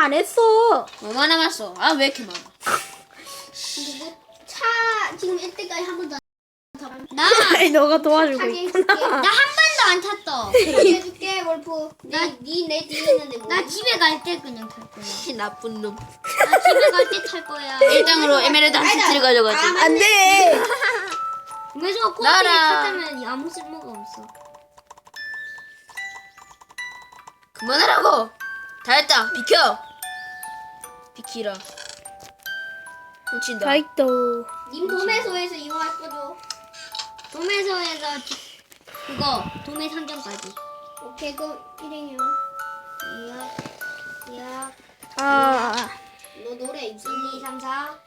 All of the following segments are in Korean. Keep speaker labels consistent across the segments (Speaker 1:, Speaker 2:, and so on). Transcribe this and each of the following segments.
Speaker 1: 안 했어.
Speaker 2: 얼마 남았어? 아 왜 이렇게 많아?
Speaker 3: 차 지금 1대까지 한 번도
Speaker 2: 나
Speaker 1: 아이, 너가 도와주고
Speaker 3: 타게
Speaker 1: 있구나.
Speaker 3: 해줄게.
Speaker 2: 나 한 번도 안 탔어.
Speaker 3: 해줄게 월프. 내 뒤에 있는데 뭐.
Speaker 2: 나 집에 갈 때 그냥 탈 거야.
Speaker 4: 나쁜 놈.
Speaker 2: 나 집에 갈 때 탈 거야.
Speaker 4: 1등으로 에메랄드 한 세트를 가져가지.
Speaker 1: 안 돼.
Speaker 2: 그래서 코끼리
Speaker 4: 나라.
Speaker 2: 타면 아무 쓸모가 없어.
Speaker 4: 그만하라고. 다 했다. 비켜. 비키라. 훔친다.
Speaker 1: 다이또.
Speaker 3: 님 도매소에서 이용할 거죠.
Speaker 2: 도매소에서 그거 도매 상점까지.
Speaker 3: 오케이 그럼 일행이요.
Speaker 2: 야,
Speaker 1: 아,
Speaker 3: 너 노래 있어.
Speaker 2: 1, 2, 3, 4.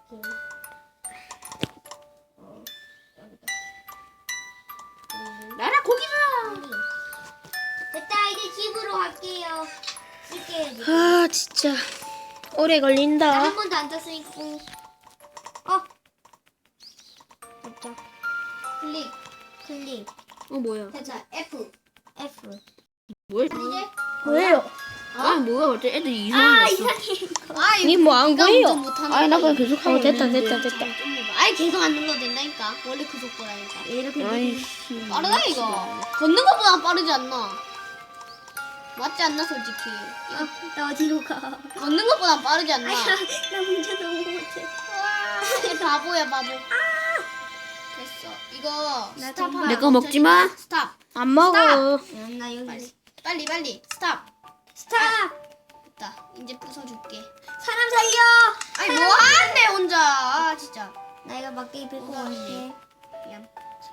Speaker 4: 나라 고기다.
Speaker 2: 됐다 이제 집으로 갈게요. 쓸게요 지금.
Speaker 1: 아 진짜 오래
Speaker 2: 나
Speaker 1: 걸린다.
Speaker 2: 한 번도 안 탔으니까. 됐죠. 클릭.
Speaker 4: 뭐야?
Speaker 3: 됐다. F.
Speaker 2: F.
Speaker 4: 뭘?
Speaker 3: 이제
Speaker 1: 왜요?
Speaker 4: 아 뭐야? 어째 애들이 이상한 거 있어?
Speaker 1: 니 뭐 안 보여?
Speaker 4: 아니 나 그냥 계속 하고
Speaker 1: 됐다
Speaker 4: 있는데.
Speaker 1: 됐다 됐다.
Speaker 2: 아이 계속 안 눌러도 된다니까. 원래 그 속도라니까. 이렇게
Speaker 4: 아이씨.
Speaker 2: 빠르다 이거. 걷는 것보다 빠르지 않나? 맞지 않나 솔직히.
Speaker 3: 나 어디로 가?
Speaker 2: 걷는 것보다 빠르지 않나?
Speaker 3: 나 문제 너무 못해.
Speaker 2: 얘 바보야 바보. 됐어. 이거 스탑.
Speaker 3: 정말-
Speaker 4: 내 거 먹지 마.
Speaker 2: 스탑.
Speaker 1: 안 먹어.
Speaker 2: 나 여기. 빨리 스탑. 됐다. 이제 부숴줄게.
Speaker 3: 사람 살려.
Speaker 2: 아니 뭐 하는데 혼자. 아 진짜.
Speaker 3: 나 이거 막대기 뺏고 갈게.
Speaker 2: 미안.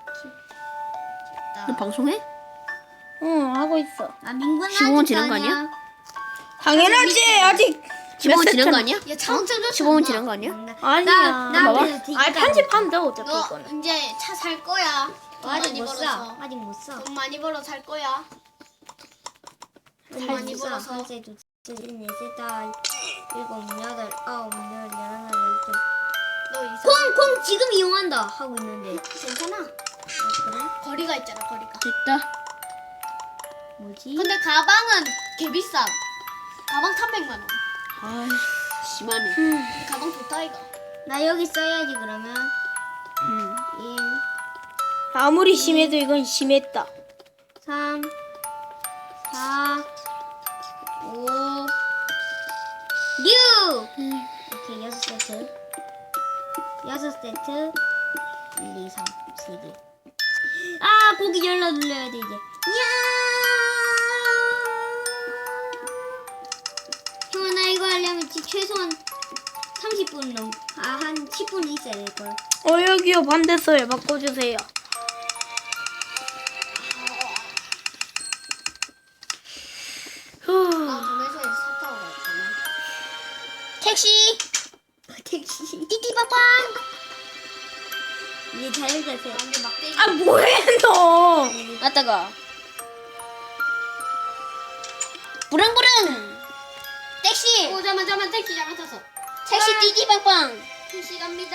Speaker 4: 너
Speaker 2: 됐다.
Speaker 4: 방송해?
Speaker 1: 응 하고 있어.
Speaker 2: 아 민군
Speaker 4: 15분 지난 거 아니야?
Speaker 1: 당연하지 아직
Speaker 4: 15분 지난 거 아니야?
Speaker 2: 야 자동차 좀
Speaker 4: 15분 지난 거 아니야?
Speaker 1: 아니야.
Speaker 4: 봐봐.
Speaker 1: 아니 편집하면 돼 어차피
Speaker 2: 너
Speaker 1: 이거는.
Speaker 2: 이제 차 살 거야. 돈
Speaker 3: 아직
Speaker 2: 많이
Speaker 3: 못
Speaker 2: 벌어서.
Speaker 3: 사. 아직 못 사.
Speaker 2: 돈 많이 벌어 살 거야. 돈 많이 벌어서.
Speaker 3: 한세 두세 넷세 다 일곱 여덟 아홉 열 열하나 열둘.
Speaker 2: 너 이상.
Speaker 3: 콩콩 지금 이용한다 하고 있는데.
Speaker 2: 괜찮아. 거리가 있잖아 거리가.
Speaker 4: 됐다.
Speaker 3: 뭐지?
Speaker 2: 근데 가방은 개 비싸. 가방 300만 원.
Speaker 4: 아 심하네.
Speaker 2: 근데 가방 좋다 이거.
Speaker 3: 나 여기 써야지 그러면. 1
Speaker 1: 아무리 심해도 이건 심했다.
Speaker 3: 3 4 5 6 오케이 6세트 6세트 1 2 3 3개 아 고기 열라 눌러야 돼 이제 형아 나 이거 하려면 최소한 30분 한 10분 있어야 될걸
Speaker 1: 여기요 반대서에 바꿔주세요.
Speaker 2: 아 도매소에서 차 타고 갔잖아.
Speaker 3: 택시 띠띠빠빵 이제 잘 가세요
Speaker 2: 완전 막대기.
Speaker 1: 아 뭐해 너?
Speaker 4: 아따가. 부릉부릉.
Speaker 3: 택시
Speaker 2: 오 잠깐만 택시 잘못탔어.
Speaker 3: 택시 띠띠빵빵
Speaker 2: 택시 갑니다.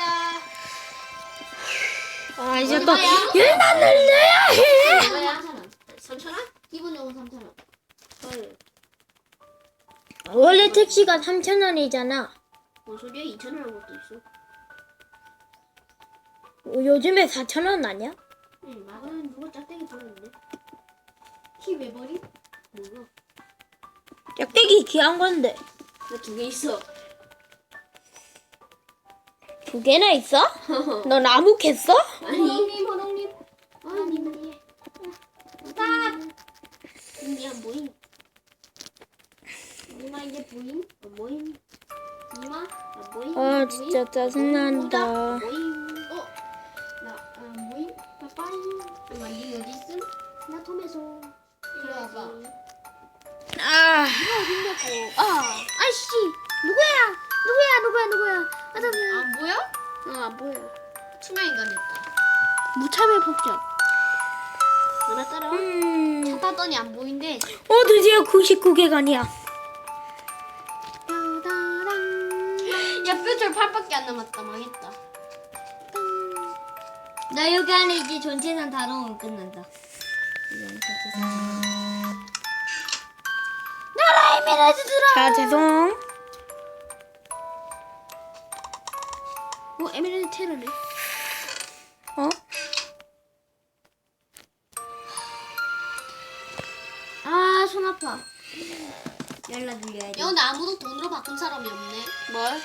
Speaker 1: 아 이제 또
Speaker 2: 얼마야?
Speaker 1: 일만 늘려야 해.
Speaker 2: 얼마야? 3,000원? 기본 요금 3,000원.
Speaker 1: 원래 택시가 3,000원이잖아.
Speaker 2: 뭔 소리야? 2,000원 한 것도 있어.
Speaker 1: 요즘에 4,000원 아니야?
Speaker 2: 응, 나는 누가 짝대기 버렸는데. 키 왜 버리? 뭐야?
Speaker 1: 짝대기 귀한 건데.
Speaker 4: 나 2개 있어.
Speaker 1: 2개나 있어? 너 나무 캤어?
Speaker 2: 호롱님. 아, 님. 스탑! 님이 안 보임. 니마 이제 보임? 안 보임? 니마? 안 보임?
Speaker 1: 아 진짜 짜증난다.
Speaker 2: 안 보임? 나 안 보임? 빠빠이. 니마 니 어디 있음? 나 톰에서. 이리 와봐.
Speaker 1: 아
Speaker 2: 아이씨! 누구야? 안 보여?
Speaker 4: 안 보여.
Speaker 2: 투명 인간 됐다.
Speaker 4: 무참의 폭격. 누나 따라와.
Speaker 2: 찾았더니 안 보인대.
Speaker 1: 드디어 99개간이야.
Speaker 2: 야, 뼈줄 8밖에 안 남았다. 망했다.
Speaker 3: 나 여기 안에 이제 전체산 다 넣으면 끝난다
Speaker 1: 자 죄송.
Speaker 4: 에메랄드 테러네.
Speaker 1: 어?
Speaker 3: 아, 손 아파. 연락 드려야지.
Speaker 2: 야 근데 아무도 돈으로 바꾼 사람이 없네.
Speaker 4: 뭘?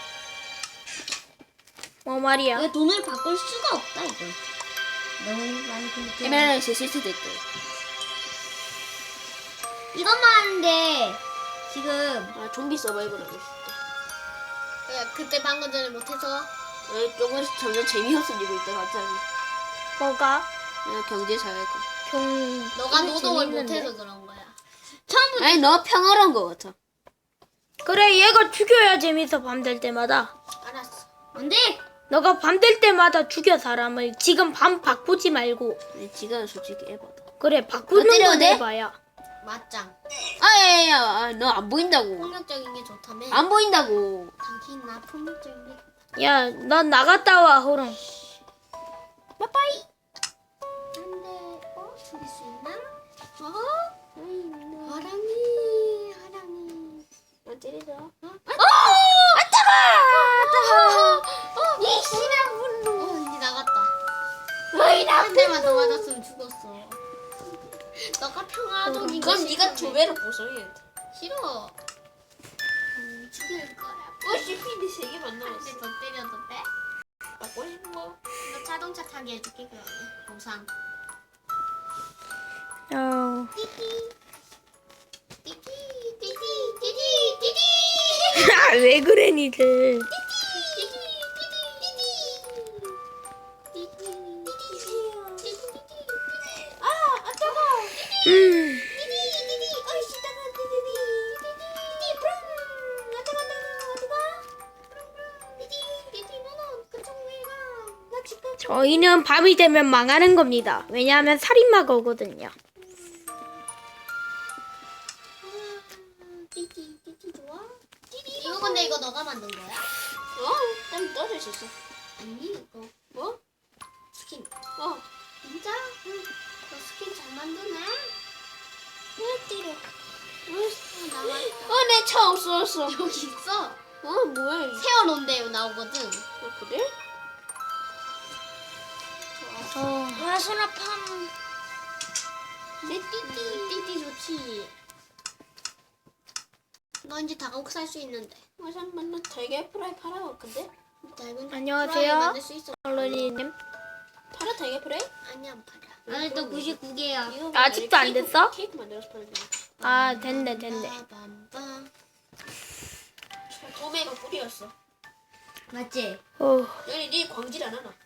Speaker 1: 뭐 말이야?
Speaker 3: 왜 돈을 바꿀 수가 없다 이거. 너무 많이 근데
Speaker 4: 에메랄드 실수 됐다.
Speaker 3: 이것만 하는데 지금
Speaker 4: 아 좀비 서바이벌 하고 있어.
Speaker 2: 야 그때 방금 전에 못해서
Speaker 4: 조금씩 점점 재미없어지고 있다 갑자기.
Speaker 1: 뭐가?
Speaker 4: 경제 사회가.
Speaker 2: 너가
Speaker 1: 이거
Speaker 2: 노동을
Speaker 1: 재밌는데?
Speaker 2: 못해서 그런 거야.
Speaker 3: 처음부터
Speaker 4: 아니 너 평화로운 거 같아.
Speaker 1: 그래 얘가 죽여야 재밌어 밤 될 때마다.
Speaker 2: 알았어.
Speaker 3: 안돼.
Speaker 1: 너가 밤 될 때마다 죽여 사람을. 지금 밤 바꾸지 말고.
Speaker 4: 아니, 지금 솔직히 에바다.
Speaker 1: 그래 바꾸는
Speaker 4: 때려도
Speaker 1: 건
Speaker 4: 돼?
Speaker 1: 해봐야.
Speaker 2: 맞짱.
Speaker 4: 아야야야 너 안 보인다고.
Speaker 2: 폭력적인 게 좋다며.
Speaker 4: 안 보인다고.
Speaker 2: 당신 나 폭력적인 게.
Speaker 1: 야, 넌 나갔다 와, 호롱.
Speaker 2: 빠빠이. 안돼. 죽일 수 있나? 하랑이.
Speaker 4: 안 때리자.
Speaker 2: 이 씨랑 물로. 이제 나갔다. 한 대만 더 맞았으면 죽었어. 너가 평화적인 거
Speaker 4: 그럼 네가 두 배로 보상해야지.
Speaker 2: 싫어. 죽일 거야.
Speaker 4: CPD 3개만
Speaker 2: 한
Speaker 4: 남았어.
Speaker 2: 대 더 때려도 돼?
Speaker 4: 받고 싶은 거?
Speaker 2: 너 자동차 타게 해줄게 그러면. 보상.
Speaker 1: 어.
Speaker 2: 띠띠. 띠띠. 띠띠. 띠띠. 띠띠.
Speaker 1: 아, 왜 그래, 니들. 저희는 밤이 되면 망하는 겁니다. 왜냐하면 살인마가 오거든요.
Speaker 2: 이거 근데 이거 너가 만든 거야?
Speaker 4: 땀 떨어질 수 있어.
Speaker 2: 아니 이거
Speaker 4: 뭐?
Speaker 2: 스킨.
Speaker 4: 진짜?
Speaker 2: 응. 너 스킨 잘 만드네.
Speaker 4: 왜 때려?
Speaker 2: 나왔다.
Speaker 4: 내 차 없어졌어.
Speaker 2: 여기 있어.
Speaker 4: 뭐야 이게?
Speaker 2: 세워놓은데 나오거든.
Speaker 4: 그래?
Speaker 3: 와, 손 아파.
Speaker 2: 내 띠띠 좋지. 너 이제 다가옥 살 수 있는데.
Speaker 4: 잠깐만 나 달걀 프라이 팔아. 근데?
Speaker 2: 얇은
Speaker 1: 안녕하세요.
Speaker 2: 프라이 만들 수 있어.
Speaker 1: 컬러리님.
Speaker 4: 팔아 달걀 프라이?
Speaker 2: 아니 안 팔아.
Speaker 3: 아직도 99개야.
Speaker 4: 이거
Speaker 1: 아직도 안 됐어?
Speaker 4: 케이크 만들어서 팔면 돼.
Speaker 1: 아, 됐네.
Speaker 2: 빰빰빰.
Speaker 4: 도매가 꿀이었어.
Speaker 3: 맞지?
Speaker 4: 여기 네 광질 안 하나?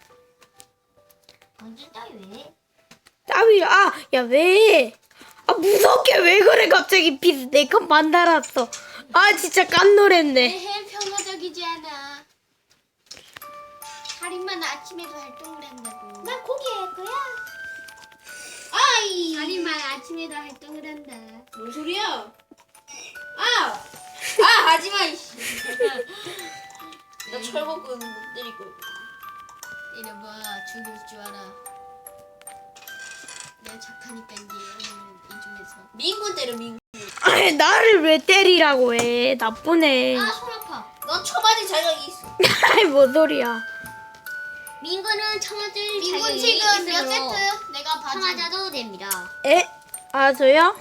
Speaker 3: 언제 따위 왜?
Speaker 1: 따위, 야, 왜? 무섭게 왜 그래, 갑자기 피스 내 칸 만달았어. 진짜 깜놀했네.
Speaker 2: 에헤 평화적이지 않아. 살인마는 아침에도 활동을 한다고.
Speaker 3: 난 고기 할 거야.
Speaker 2: 아이. 살인마는 아침에도 활동을 한다.
Speaker 4: 뭔 소리야? 하지마 이씨. 나 철거꾼 못 때리고.
Speaker 2: 이래봐 죽일 줄 알아. 내가 착하니까 이제 이 중에서.
Speaker 4: 민군 때려 민군.
Speaker 1: 나를 왜 때리라고 해. 나쁘네.
Speaker 2: 손 아파.
Speaker 4: 넌 처맞을 자격이 있어.
Speaker 1: 뭔 소리야.
Speaker 3: 민구는 청아들
Speaker 2: 민군
Speaker 3: 자격이
Speaker 2: 지금 몇
Speaker 3: 있으므로
Speaker 2: 세트? 내가 봐줘.
Speaker 3: 청아자도 됩니다.
Speaker 1: 저요?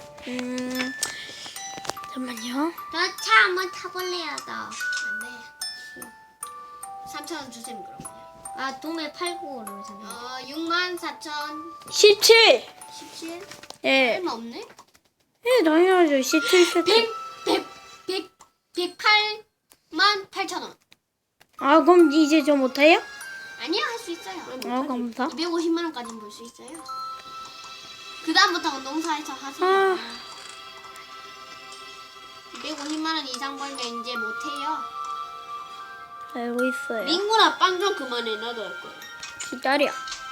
Speaker 1: 잠깐만요.
Speaker 3: 저 차 한번 타볼래요, 나.
Speaker 2: 안돼. 3,000원 주셈 그럼.
Speaker 3: 도매 팔고 그러잖아.
Speaker 2: 64,017.
Speaker 1: 17. 예.
Speaker 2: 얼마 없네?
Speaker 1: 당연하죠. 17세트.
Speaker 2: 108만 8,000원.
Speaker 1: 그럼 이제 저 못해요?
Speaker 2: 아니야 할 수 있어요.
Speaker 1: 감사.
Speaker 2: 250만 원까지는 벌 수 있어요. 그 다음부터는 농사에서 하세요. 250만 원 이상 벌면 이제 못해요.
Speaker 1: 알고 있어요.
Speaker 4: 민군아 빵 좀 그만해. 나도 할 거야.
Speaker 1: 기다려.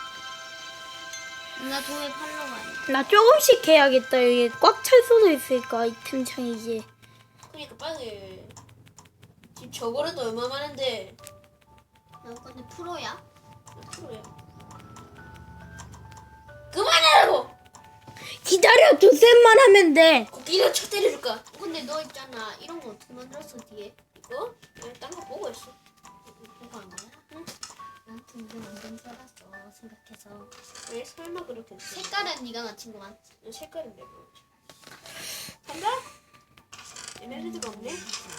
Speaker 3: 나 도매 팔러 가야
Speaker 1: 나 조금씩 해야겠다. 여기 꽉 찰 수도 있으니까 이 틈창이지.
Speaker 4: 그러니까 빨리. 지금 저거라도 얼마 많은데.
Speaker 2: 너 근데 프로야?
Speaker 4: 몇 프로야? 그만하라고.
Speaker 1: 기다려. 두셋만 하면 돼.
Speaker 4: 니가 쳐 때려줄까?
Speaker 2: 근데 너 있잖아 이런 거 어떻게 만들었어 뒤에?
Speaker 4: 이거? 아니 딴거 보고 했어.
Speaker 2: 보고 한 거야? 난 동전 완전 썰었어 생각해서.
Speaker 4: 왜 설마 그렇게 했어?
Speaker 2: 색깔은 네가 맞힌 거 맞지?
Speaker 4: 색깔은 내가 간다? 에메랄드가 없네?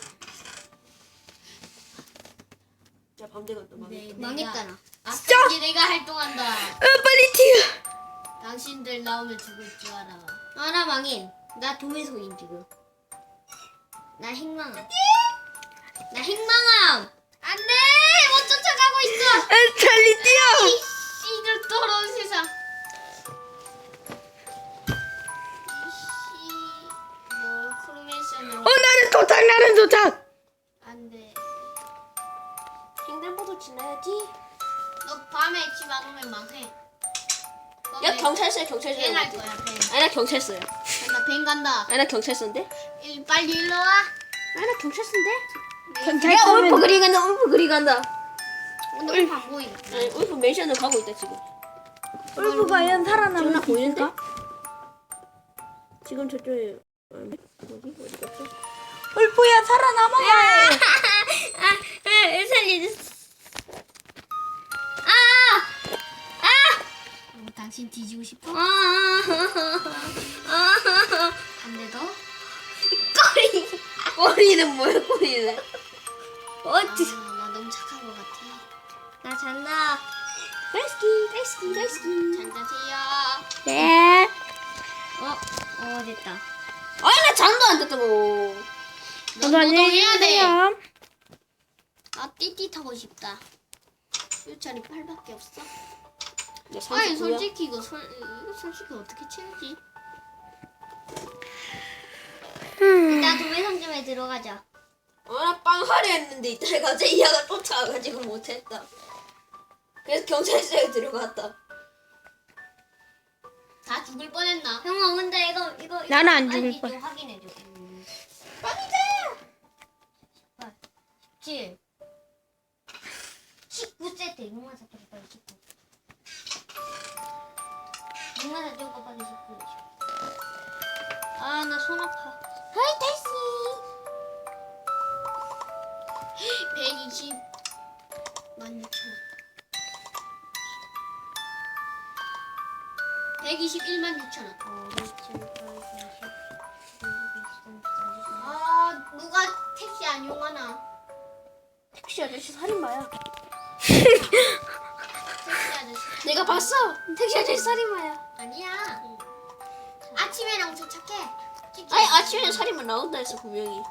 Speaker 4: 야 밤대가 또 망했다.
Speaker 3: 망했다 나.
Speaker 2: 아싸 이제 내가 활동한다.
Speaker 1: 빨리 튀어.
Speaker 2: 당신들 나오면 죽을 줄 알아.
Speaker 3: 아 나 망해. 나 도매소임 지금. 나 행망함. 나 행망함.
Speaker 2: 안돼 못 쫓아가고 있어.
Speaker 1: 빨리 뛰어.
Speaker 2: 이 씨들 더러운 세상. 이씨 뭐 크루메이션으로
Speaker 1: 나는 도착.
Speaker 2: 안돼.
Speaker 4: 횡단보도 지나야지.
Speaker 2: 너 밤에 집 안 오면 망해.
Speaker 4: 야 경찰서야 경찰서.
Speaker 2: 벤 할 거야 벤.
Speaker 4: 아니 나 경찰서야.
Speaker 2: 간다 벤 간다.
Speaker 4: 아니 나 경찰서인데?
Speaker 2: 빨리 일로 와.
Speaker 4: 아니 나 경찰서인데?
Speaker 1: 경찰
Speaker 4: 울프 그리 간다. 울프 그리 간다.
Speaker 2: 오늘 안 보이네.
Speaker 4: 아니 울프 맨션을 가고 있다 지금.
Speaker 1: 울프 과연 살아남을
Speaker 4: 나
Speaker 1: 수
Speaker 4: 보이는데?
Speaker 1: 있을까?
Speaker 4: 지금 저쪽에 어디 갔어?
Speaker 1: 울프야 살아남아야 해.
Speaker 3: 살려줬어.
Speaker 2: 당신 뒤지고 싶어?
Speaker 3: 아.
Speaker 2: 안돼 더?
Speaker 4: 꼬리는 뭐야 꼬리는?
Speaker 2: 나 너무 착한 것 같아.
Speaker 3: 나 잔다.
Speaker 2: 잘 자세요.
Speaker 1: 네.
Speaker 3: 됐다.
Speaker 4: 아니 나 잠도 안 잤다고.
Speaker 2: 너 노동해야 돼.
Speaker 1: 계세요.
Speaker 2: 아 띠띠 타고 싶다. 일자리 8밖에 없어?
Speaker 4: 내
Speaker 2: 아니
Speaker 4: 39야.
Speaker 2: 솔직히 이거 솔직히 어떻게 채우지?
Speaker 3: 일단 도매상점에 들어가자.
Speaker 4: 나 빵 하려 했는데 이따가 갑자기 이하가 쫓아와가지고 못했다. 그래서 경찰서에 들어갔다.
Speaker 2: 다 죽을 뻔했나?
Speaker 3: 형아 근데 이거
Speaker 1: 나는 안
Speaker 3: 아니,
Speaker 1: 죽을
Speaker 3: 좀
Speaker 1: 거야.
Speaker 3: 확인해줘.
Speaker 4: 빵이다.
Speaker 3: 17 19세트 6만 4천 빨리 19 6만 4천 거 빨리 19 아 나 손 아파. 하이 다시
Speaker 2: 120 16,000원 121만 6천원. 아 누가 택시 안 이용하나?
Speaker 4: 택시 아저씨 살인마야.
Speaker 2: 택시 아저씨
Speaker 4: 내가 봤어. 택시 아저씨 살인마야.
Speaker 2: 아니야. 아침에랑 도착해.
Speaker 4: 아니 아침에 살인마 나온다 했어 분명히.